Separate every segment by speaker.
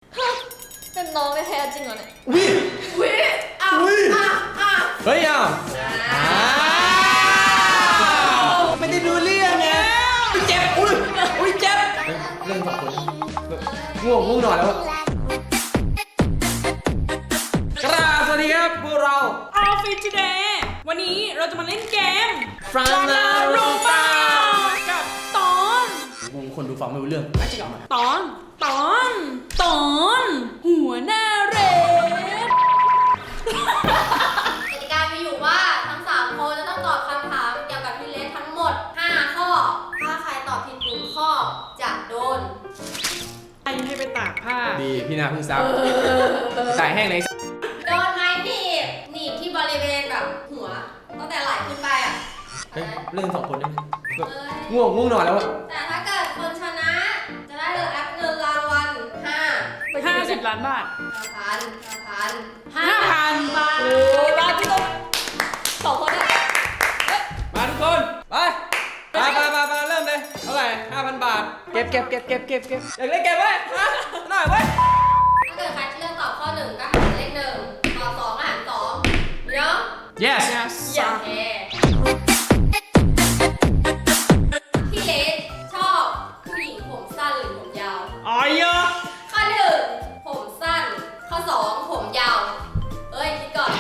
Speaker 1: เป็นน้องแท้ๆจริงเหรอเนี่ย
Speaker 2: วิ
Speaker 3: วิอ้าว
Speaker 2: เฮ้ยอ้าวไม่ได้ดูเรื่องไงเจ็บอุ้ยเจ็บเรื่องสองคนง่วงนอนแล้วกราบสวัสดีครับพวกเรา
Speaker 3: Outfit Today วันนี้เราจะมาเล่นเกม
Speaker 2: Frana Ropa
Speaker 3: กับตอน
Speaker 2: คนดูฟังไม่รู้เรื่องจริงเหรอ
Speaker 3: ตอนหัวหน้าเรด
Speaker 1: กติกามีอยู่ว่าทั้ง3คนจะต้องตอบคำถามเกี่ยวกับพี่เลสทั้งหมด5ข้อถ้าใครตอบผิด1ข้อจะโดน
Speaker 3: ให้ไปตากผ้า
Speaker 2: ดีพี่นาเพิ่งซับตายแห้งใน
Speaker 1: โดนไม้หนีบที่บริเวณแบบหัวตั้งแต่ไหล่ขึ้นไปอ่ะ
Speaker 2: เฮ้ยเรื่องสองคนนี่
Speaker 1: เอ้ย
Speaker 2: ง่วงนอนแล้วอะ
Speaker 1: แต่ถ้าเกิดคนชนะจะได้แอปเงินรางวัล
Speaker 3: 50 ล้านบาท
Speaker 1: 5,000 บาทโอ้ยบาทพี่ต้อง2คนเนี่ย
Speaker 2: มาทุกคนไปเริ่มเลยเท่าไหร่ 5,000 บาทเก็บอยากเล่นเก็บไว้หน่อยไว้
Speaker 1: ถ้าเกิดใครเลือกตอบข้อ1ก็หารเลข1ตอบ2ก็หาร2เนาะ
Speaker 2: yes
Speaker 1: โอเคพี่เลสชอบผู้หญิงผมสั้นหรือผมยาว
Speaker 3: อ๋อเยอะ
Speaker 1: ข้อ1ผมสั้นข้อ2ผมยาวเอ้ยคิดก่อน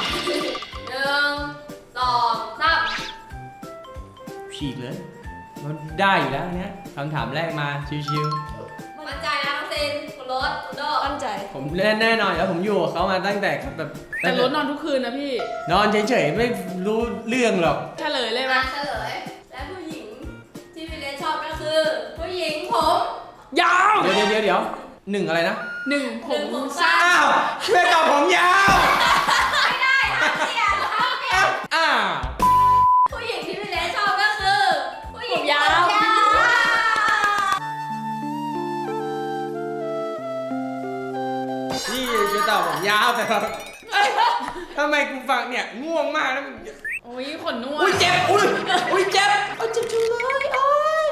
Speaker 1: 1 2 3
Speaker 2: ฉีกเลยมันได้อยู่แล้วเนี้ยคำถามแรกมาชิว
Speaker 1: มั่นใจนะน้องซินคุณรถคุณโดมั่นใจ
Speaker 2: ๆผมแน่นอนแล้วผมอยู่กับเขามาตั้งแต่แบบ
Speaker 3: แต่รถนอนทุกคืนนะพี่
Speaker 2: นอนเฉยๆไม่รู้เรื่องหรอก
Speaker 3: เฉลยเลยไหม
Speaker 1: มาเฉลย และผู้หญิงที่พี่เลสชอบก็คือ ผู้หญิงผม
Speaker 3: ยาว
Speaker 2: เดี๋ยวหนึ่งอะไรนะ
Speaker 3: ผมสั้น
Speaker 2: อ้าวเพื่อนตอบผมยาว
Speaker 1: ไม่ได้ห้ามเปลี่ยนห้ามเปลี่ยน
Speaker 2: อ้าว
Speaker 1: ผู้หญิงที่พี่เลสชอบก็คือ ผู้หญิงผมยาว
Speaker 2: พี่จะตอบผมยาวแต่แบบทำไมกูฟังเนี่ยง่วงมากแล้ว
Speaker 3: โอ้ยขนนวด
Speaker 2: อุ้ยเจ็บอุ้ยเจ็บเจ็บจังเลยโอ้ย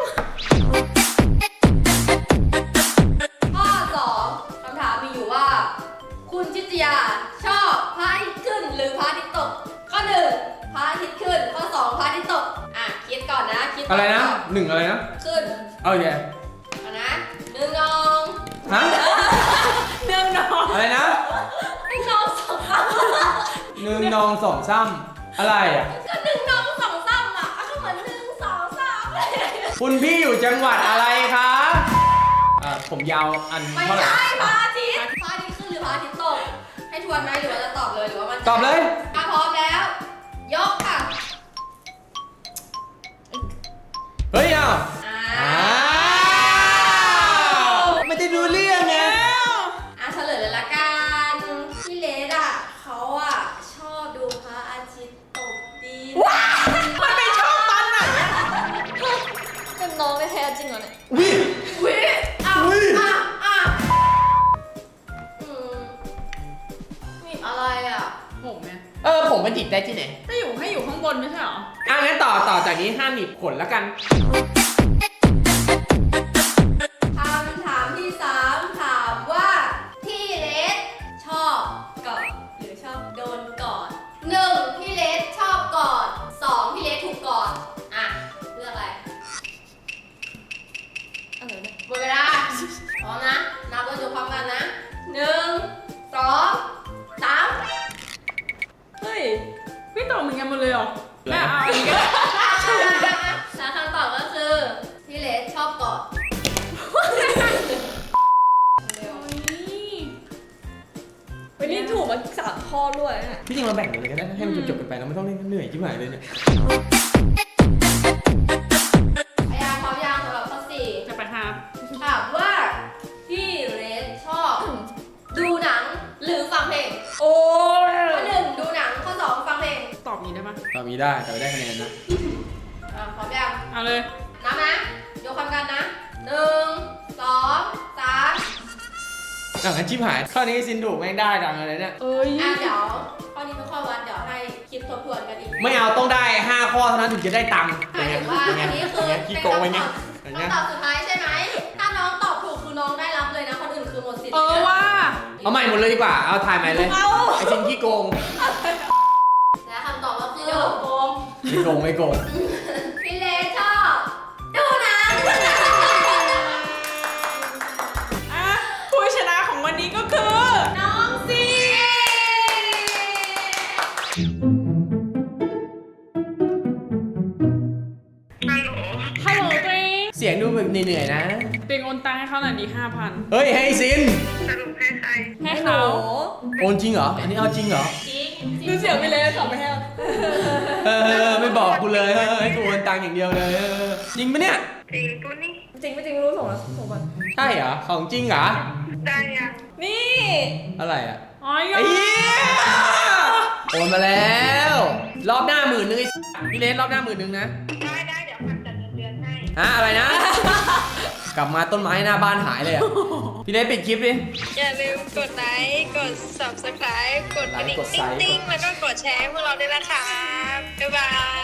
Speaker 1: ข้อ2คำถามมีอยู่ว่า คุณชิตยาชอบพระอาทิตย์ขึ้นหรือพระอาทิตย์ตก ข้อ1พระอาทิตย์ขึ้น ข้อ2พระอาทิตย์ตก คิดก่อนนะคิดก่
Speaker 2: อะไรนะ
Speaker 1: ตบ
Speaker 2: หนึ่งอะไรนะ
Speaker 1: ขึ้น
Speaker 2: เอาแย่
Speaker 1: ก่อนนะ1 น้อง
Speaker 2: ฮะ
Speaker 3: เนื่องนอน
Speaker 2: อะไรนะ
Speaker 1: 1 น้อง2
Speaker 2: หนึ่งนองสองซ้ำอะไรอ่ะ
Speaker 1: ก็1 น้อง2 3อ่ะก็เหมือน1 2 3เลย
Speaker 2: คุณพี่อยู่จังหวัดอะไรคะผมยาวอัน
Speaker 1: ไม่
Speaker 2: เท่าไหร่
Speaker 1: ใช่พระอาทิตย์พระอาทิตย์ขึ้นหรือพระอาทิตย์ตก ให้ทวนไหมหรือว่าจะตอบเลยหรือว่ามัน
Speaker 2: ตอบเลย
Speaker 1: ถ้าพร้อมแล้ว ยกค่ะ
Speaker 2: เฮ้ยอ้าว
Speaker 1: อ่า
Speaker 2: ไม่ได้ดูเรื่องไง
Speaker 1: เฉลยเลยละกันพี่เลสอ่ะเขาอ่ะชอบดูพระอาทิตย์ตกดิน
Speaker 3: มันไม่ชอบมันอ่ะ
Speaker 1: เป็นน้องแท้ๆจริงเหรอเนี่ย
Speaker 2: วิ
Speaker 3: วิ
Speaker 1: อืมนี่อะไรอ่ะ
Speaker 3: ผมเนี่ย
Speaker 2: ผมมันหยิบได้ที่ไหน
Speaker 3: ให้อยู่ข้างบนไม่ใช่เหรอ
Speaker 2: งั้นต่อจากนี้ห้ามหนีบขนแล้วกัน
Speaker 1: คำถามที่3ถามว่าพี่เลสชอบกอดหรือชอบโดนกอด1พี่เลสชอบกอด2พี่เลสถูกกอดเลือกอะไรหมดเวลาพร้อมนะนับแล้วยกพร้อมกันนะ1 2 3
Speaker 3: เฮ้ยพี่ตอบเหมือนกันหมดเลยเหรอแม่เอาอีก
Speaker 1: แล้วคำตอบก็คือพี่เลสชอบกอดเร็ว
Speaker 4: วันนี้ถูกมา3 ข้อด้วยนะ
Speaker 2: พี่จริงเราแบ่งกันเลยก็ได้นะให้มันจบกันไปเราไม่ต้องเล่นเหนื่อยที่หมายเลยเนี่ย
Speaker 1: พยายามพร้อมยังสำหรับข้อ4
Speaker 3: จะไปหา
Speaker 1: ถามว่าพี่เรสชอบดูหนังหรือฟังเพลง
Speaker 3: โอ้ย
Speaker 1: ข้อ1ดูหนังข้อ2ฟังเพลง
Speaker 3: ตอบนี้ได้ปะ
Speaker 2: ตอนนี้ได้แต่ไม่ได้คะแนนนะ
Speaker 1: พร้อมยัง
Speaker 3: เอาเลย
Speaker 1: นับนะยกความกันนะ1 2 3
Speaker 2: งั้นชิบหายข้อนี้ซินถูกแม่งได้ดังอะไรเนี่ย
Speaker 3: เอ้ย
Speaker 1: เดี๋ยวข้อนี้เป็นข้อวัดเดี๋ยวให้คิดทบทวนกันอีก
Speaker 2: ไม่เอาต้องได้5ข้อเท่านั้นถึงจะได้ตังค์
Speaker 1: หมายถึงว่าอันนี้คือ
Speaker 2: ขี้โกงไว้ไงอย่างเงี้ย
Speaker 1: คำตอบสุดท้ายใช่ไหมถ้าน้องตอบถูกคือน้องได้รับเลยนะคนอื่นคือหมดสิทธิ์
Speaker 3: ว่า
Speaker 2: เอาใหม่หมดเลยดีกว่า เอาถ่ายใหม่เลย
Speaker 4: เอา
Speaker 2: ไอ้ซินขี้โกง
Speaker 1: และคำตอบก็คือ
Speaker 3: เดี๋ยวโกง
Speaker 2: ไม่โกงไม่โกง
Speaker 1: พี่เลสชอบดูหนัง
Speaker 3: อ่ะผู้ชนะของวันนี้ก็คือ
Speaker 1: น้องซี
Speaker 3: ฮัลโหลตัวเอง
Speaker 2: เสียงดูแบบเหนื่อยๆนะ
Speaker 3: ตัวเองโอนตังค์ให้เขาหน่อยดี5,000
Speaker 2: เฮ้ยให้ซิน
Speaker 3: ให้เขา
Speaker 2: โอนจริงเหรอ อันนี้เอาจริงเหรอ
Speaker 4: ดูเสียงไปเลยขอไปให้
Speaker 2: ไม่บอกกูเลยให้กูโอนตังค์อย่างเดียวเลยจริงปะเนี่ย
Speaker 4: จริงไม่จริงรู้ส่งแล้วส่งก่อน
Speaker 2: ใช่เหรอ ของจริงเหรอ
Speaker 4: นี่
Speaker 2: อะไรอ่ะ
Speaker 3: อ๋อ
Speaker 2: ไอ้เหี้ยโอนมาแล้ว รอบหน้า10,000ไอ้พี่เลสรอบหน้า10,000นะ
Speaker 5: ได้เดี๋ยวพันจัดเงินเดือนให้
Speaker 2: ฮะอะไรนะ กลับมาต้นไม้หน้าบ้านหายเลยอ่ะ พี่เลสปิดคลิปดิ
Speaker 5: อย่าลืมกดไลค์ กด subscribe กดกระดิ่ง
Speaker 2: กดไลค์
Speaker 5: ติ๊งๆ แล้วก็กดแชร์ให้พวกเราด้วยนะคะ บ๊ายบาย